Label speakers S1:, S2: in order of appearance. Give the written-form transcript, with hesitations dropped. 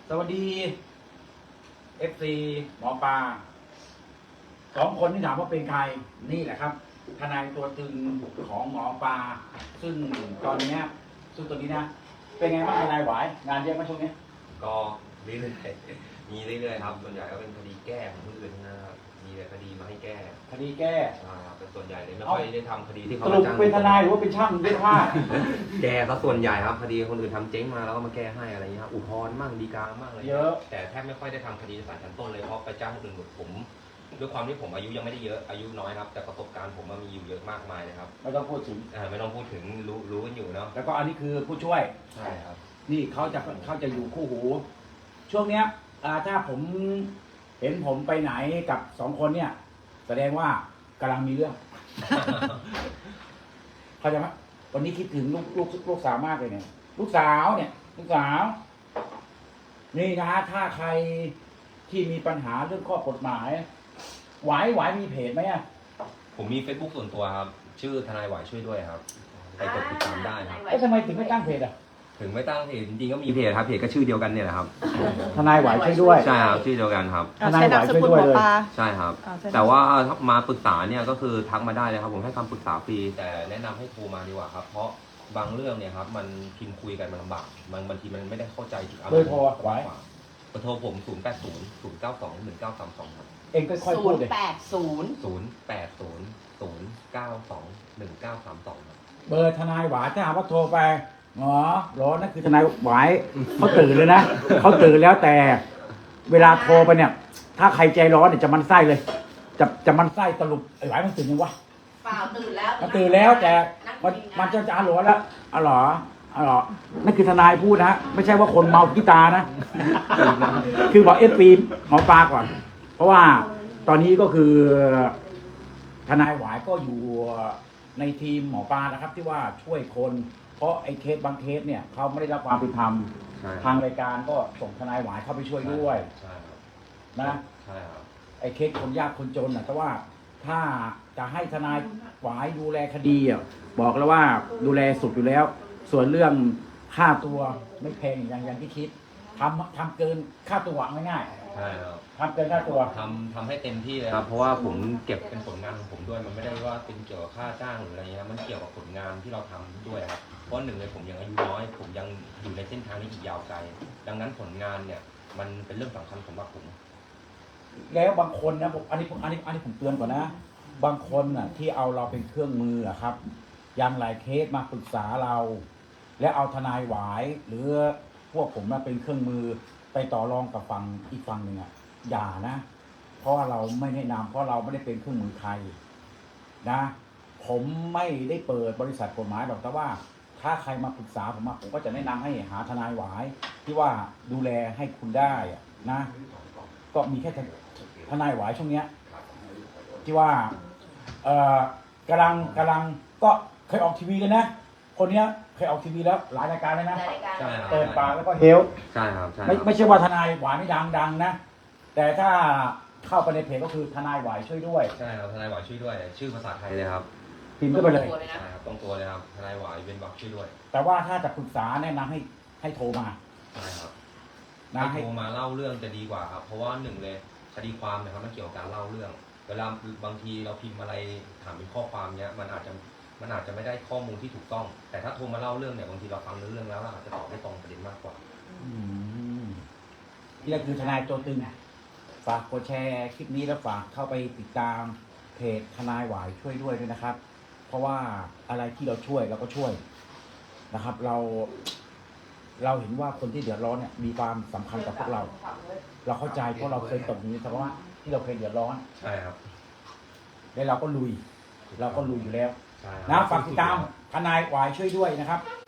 S1: สวัสดี FC หมอปลาสองคนที่ถามว่าเป็นใครนี่แหละครับทนายตัวตึงของหมอปลาซึ่งตอนนี้ซึ่งตัวนี้นะเป็นไงบ้างทนายหวายงานเยอะไหมช่วงนี้
S2: ก็เรื่อยๆมีเรื่อยๆครับส่วนใหญ่ก็เป็นคดีแก้ของคนอื่นนะครับมีแต่คดีมาให้แก้
S1: คดีแก้
S2: ครับเป็นส่วนใหญ่เลยไม่ค่อยได้ทำคดีที่เขา
S1: สรุปเป็นทนายหรือว่าเป็นช่างเย็บผ้า
S2: แก้ก็ส่วนใหญ่ครับคดีคนอื่นทำเจ๊งมาแล้วก็มาแก้ให้อะไรอย่างเงี้ยครับอุทธรณ์มั่งฎีกามั่งอะไร
S1: เยอะ
S2: แต่แทบไม่ค่อยได้ทำคดีในศาลชั้นต้นเลยเพราะไปจ้างคนอื่นหมดผมด้วยความที่ผมอายุยังไม่ได้เยอะอายุน้อยครับแต่ประสบการณ์ผมมีอยู่เยอะมากมายเลยครับ
S1: ไม่ต้องพูดถึง
S2: ไม่ต้องพูดถึงรู้กันอยู่เนาะ
S1: แล้วก็อันนี้คือผู้ช่วย
S2: ใช่ครับ
S1: นี่เขาจะอยู่คู่หู ช่วงเนี้ยถ้าผมเห็นผมไปไหนกับสองคนเนี่ย แสดงว่ากำลังมีเรื่อง เข้าใจไหมวันนี้คิดถึงลูกสาวมากเลยเนี่ยลูกสาวนี่นะถ้าใครที่มีปัญหาเรื่องข้อกฎหมายหวายมีเพจไหมอ่ะ
S2: ผมมี Facebook ส่วนตัวครับชื่อทนายหวายช่วยด้วยครับไปกดติดตามได้ครับ
S1: แล้วทำไมถึงไม่ตั้งเพจอ่ะ
S2: ถึงไม่ตั้งเพจจริงๆก็มีเพจครับเพจก็ชื่อเดียวกันเนี่ยแหละครับ
S1: ทนายหวายช่วยด้วย
S2: ใช่ครับชื่อเดียวกันครับ
S1: ทนายหวายช่วยด้วยเลย
S2: ใช่ครับแต่ว่ามาปรึกษาเนี่ยก็คือทักมาได้เลยครับผมให้คำปรึกษาฟรีแต่แนะนำให้โทรมาดีกว่าครับเพราะบางเรื่องเนี่ยครับมันพิมพ์คุยกันมันลำบากบางทีมันไม่ได้เข้าใจถึงอารมณ์
S1: เบอร์โทรไว้
S2: เบอร์โทรผม0800921932ครับ
S1: เองค่อยๆพูดเลย
S2: 0800921932ครับ
S1: เบอร์ทนายหวายถ้าหากว่าโทรไปร้อนนั่นคือทนายหวายเขาตื่นเลยนะเขาตื่นแล้วแต่เวลาโทรไปเนี่ย ถ้าใครใจร้อนเนี่ยจะมันไส้เลย จะมันไส้สรุปไอ้หวายมันตื่นยังวะ
S3: เปล่าตื่นแล้ว
S1: มันตื่นแล้วแต่มันจะหลอนแล้วหรอนั่นคือทนายพูดนะไม่ใช่ว่าคนเมากีตานะ คือบอกFPหมอปลาก่อน เพราะว่าตอนนี้ก็คือทนายหวายก็อยู่ในทีมหมอปลานะครับ ที่ว่าช่วยคนเพราะไอ้เคสบางเคสเนี่ยเขาไม่ได้รับความเป็นธรรมทางรายการก็ส่งทนายหวายเข้าไปช่วยด้วยนะไอ้เคสคนยากคนจนนะแต่ว่าถ้าจะให้ทนายหวายดูแลคดีอ่ะบอกแล้วว่าดูแลสุดอยู่แล้ว ส่วนเรื่องค่าตัวไม่แพงอย่างที่คิดทำเกินค่าตัวง่าย
S2: ๆใช่ครับ
S1: ทำเกินค่าตัว
S2: ทำให้เต็มที่เลยครับเพราะว่าผมเก็บเป็นผลงานของผมด้วยมันไม่ได้ว่าเป็นเกี่ยวกับค่าจ้างหรืออะไรเงี้ยมันเกี่ยวกับผลงานที่เราทำด้วยครับเพราะหนึ่งเลยผมยังอายุน้อยผมยังอยู่ในเส้นทางนี้อีกยาวไกลดังนั้นผลงานเนี่ยมันเป็นเรื่องสำคัญสำหรับผม
S1: แล้วบางคนนะอันนี้ผมเตือนก่อนนะบางคนน่ะที่เอาเราเป็นเครื่องมือครับอย่างหลายเคสมาปรึกษาเรา และเอาทนายหวายหรือพวกผมมาเป็นเครื่องมือไปต่อรองกับฝั่งอีกฝั่งหนึ่งอ่ะอย่านะเพราะว่าเราไม่แนะนำเพราะเราไม่ได้เป็นเครื่องมือใครนะผมไม่ได้เปิดบริษัทกฎหมายหรอกแต่ว่าถ้าใครมาปรึกษาผมก็จะแนะนำให้หาทนายหวายที่ว่าดูแลให้คุณได้นะก็มีแค่ทนายหวายช่วงเนี้ยที่ว่ากำลังก็เคยออกทีวีเลยนะคนเนี้ยเคยออกทีวีแล้วหลายรายการเลยนะเปิดปากแล้วก็เฮล
S2: ใช่ครับ
S1: ไม่ใช่ว่าทนายหวายไม่ดังนะแต่ถ้าเข้าไปในเพจก็คือทนายหวายช่วยด้วย
S2: ใช่ครับทนายหวายช่วยด้วยชื่อภาษาไทยเลยครับ
S1: พิมพ์เข้าไปเลย
S2: ใช่ครับตรงตัวเลยครับทนายหวายเป็นบอกช่วยด้วย
S1: แต่ว่าถ้าจะปรึกษาแนะนำให้โทรมา
S2: ใช่ครับให้โทรมาเล่าเรื่องจะดีกว่าครับเพราะว่าหนึ่งเลยคดีความนะครับมันเกี่ยวกับการเล่าเรื่องเวลาบางทีเราพิมพ์อะไรถามเป็นข้อความเนี้ยมันอาจจะไม่ได้ข้อมูลที่ถูกต้องแต่ถ้าโทรมาเล่าเรื่องเนี่ยบางทีเราฟังเรื่องแล้วเราอาจจะตอบได้ตรงประเด็นมากกว่า
S1: นี่คือทนายตัวตึงฝากกดแชร์คลิปนี้แล้วฝากเข้าไปติดตามเพจทนายหวายช่วยด้วยนะครับ เพราะว่าอะไรที่เราช่วยเราก็ช่วยนะครับ เราเห็นว่าคนที่เดือดร้อนเนี่ยมีความสำคัญกับพวกเราเข้าใจเพราะเราเคยตกอยู่ในสภาวะที่เราเคยเดือดร้อน
S2: ใช่ครับ
S1: แล้วเราก็ลุยอยู่แล้วนะฝากติดตามทนายหวายช่วยด้วยนะครับ